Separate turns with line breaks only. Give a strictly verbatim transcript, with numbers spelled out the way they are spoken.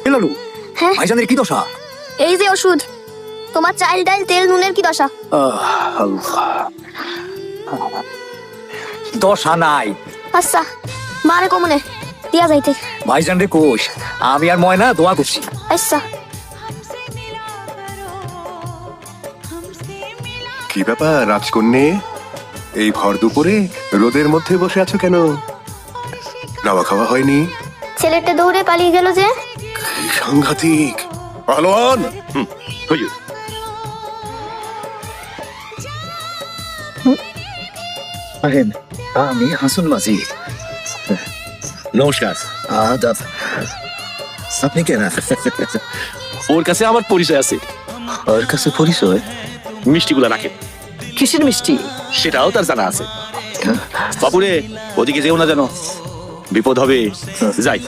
লালু,
হ্যাঁ
ভাইজানের কি দশা?
এই যে ওষুধ, তোমার চাল ডাল তেল নুনের কি দশা?
আহ, আল্লাহ। দশা নাই।
আচ্ছা মারে কমনে দিয়া যাইতে।
ভাইজান রে কোষ, আমি আর ময়না দোয়া করছি।
আচ্ছা
কি ব্যাপার রাজকন্যে, এই ভর দুপুরে রোদের মধ্যে বসে আছো কেন? নাওয়া খাওয়া হয়নি?
ছেলেটা দৌড়ে পালিয়ে গেল যে।
কি সাংঘাতিক! পালোয়ান! হুম, হুজুর।
আহেন, আমি হাসুন মাঝি।
নমস্কার।
আদাব। আপনি কেন?
ওর কাছে আমার পরিচয় আছে,
ওর কাছে পরিচয়?
মিষ্টিগুলো রাখে।
কিসের মিষ্টি?
সেটাও তার জানা আছে। বাপুরে, ওদিকে যেও না যেন, বিপদ হবে। যাই।